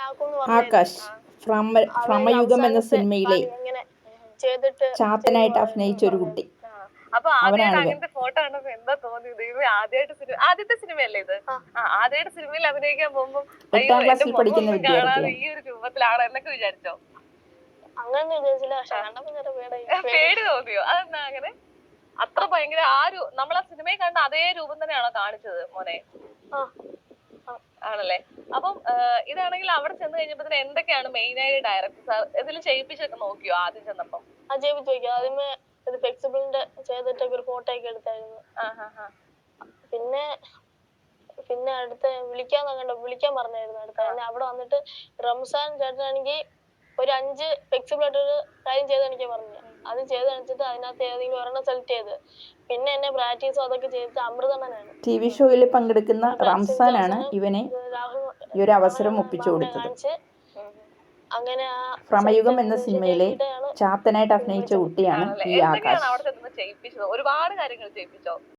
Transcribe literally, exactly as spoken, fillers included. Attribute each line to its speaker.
Speaker 1: ആകാശ് ഭ്രമ ഭ്രമയുഗം എന്ന സിനിമയിലെ ചാത്തനായിട്ട് അഭിനയിച്ച ഒരു കുട്ടി.
Speaker 2: അപ്പൊ ആദ്യമായിട്ട്
Speaker 1: അവനാണിവൻ.
Speaker 2: അങ്ങനത്തെ ഫോട്ടോ കണ്ടപ്പോ എന്താ തോന്നിയത്? ഇവ ആദ്യമായിട്ട് സിനിമ ആദ്യത്തെ സിനിമയല്ലേ ഇത്? ആദ്യമായിട്ട് സിനിമയിൽ അഭിനയിക്കാൻ പോകുമ്പോ അയ്യോ
Speaker 1: എട്ടാം
Speaker 2: എന്റെ
Speaker 1: ക്ലാസ്സിൽ
Speaker 2: മുഖം
Speaker 1: പഠിക്കുന്ന
Speaker 2: ഒന്നും കാണാതെ
Speaker 1: വിദ്യാർത്ഥിയാണ്.
Speaker 2: ഈ ഒരു രൂപത്തിലാണോ എന്നൊക്കെ വിചാരിച്ചോ?
Speaker 3: അങ്ങനെ വിചാരിച്ചില്ല. പക്ഷെ കണ്ടപ്പോ ചെറിയ പേടി
Speaker 2: പേടി തോന്നിയോ? അതെന്താ അങ്ങനെ? അത്ര ഭയങ്കര ആ ഒരു നമ്മൾ ആ സിനിമയിൽ കണ്ട അതേ രൂപം തന്നെയാണോ കാണിച്ചത് മോനെ? ആണല്ലേ. അപ്പം ഇതാണെങ്കിൽ അവിടെ ചെന്ന് കഴിഞ്ഞപ്പോ എന്തൊക്കെയാണ് മെയിൻ ആയിട്ട് ഡയറക്ടർ സാർ ഇതിൽ ചെയ്യിപ്പിച്ചൊക്കെ നോക്കിയോ ആദ്യം ചെന്നപ്പം?
Speaker 3: ആ ചെയ്യിപ്പിച്ചു നോക്കി. ആദ്യമേ ഇത് ഫ്ലെക്സിബിളിന്റെ ചെയ്തിട്ടൊക്കെ ഒരു ഫോട്ടോ ഒക്കെ എടുത്തായിരുന്നു. പിന്നെ പിന്നെ അടുത്ത വിളിക്കാൻ കണ്ടോ വിളിക്കാൻ പറഞ്ഞായിരുന്നു അടുത്ത അവിടെ വന്നിട്ട് റംസാൻ ചേട്ടനാണെങ്കിൽ ഒരു അഞ്ച് ഫ്ലെക്സിബിൾ ആയിട്ടൊരു കാര്യം ചെയ്ത് കാണിക്കാൻ പറഞ്ഞു. അത് ചെയ്ത് കാണിച്ചിട്ട് അതിനകത്ത് ഏതെങ്കിലും ഒരെണ്ണം സെലക്ട് ചെയ്ത് പിന്നെ എന്നെ പ്രാക്ടീസും അതൊക്കെ ചെയ്തിട്ട് അമൃതണ്ണനാണ്
Speaker 1: ടി വി ഷോയിൽ പങ്കെടുക്കുന്ന റംസാനാണ് ഇവനെ ഈ ഒരു അവസരം ഒപ്പിച്ചു കൊടുത്തത്.
Speaker 3: അങ്ങനെ
Speaker 1: ഭ്രമയുഗം എന്ന സിനിമയിലെ ചാത്തനായിട്ട് അഭിനയിച്ച കുട്ടിയാണ് ഈ ആകാശ്.
Speaker 2: അവിടെ ചെന്ന് ചെയ്യിപ്പിച്ചത്? ഒരുപാട് കാര്യങ്ങൾ ചെയ്യിപ്പിച്ചോ?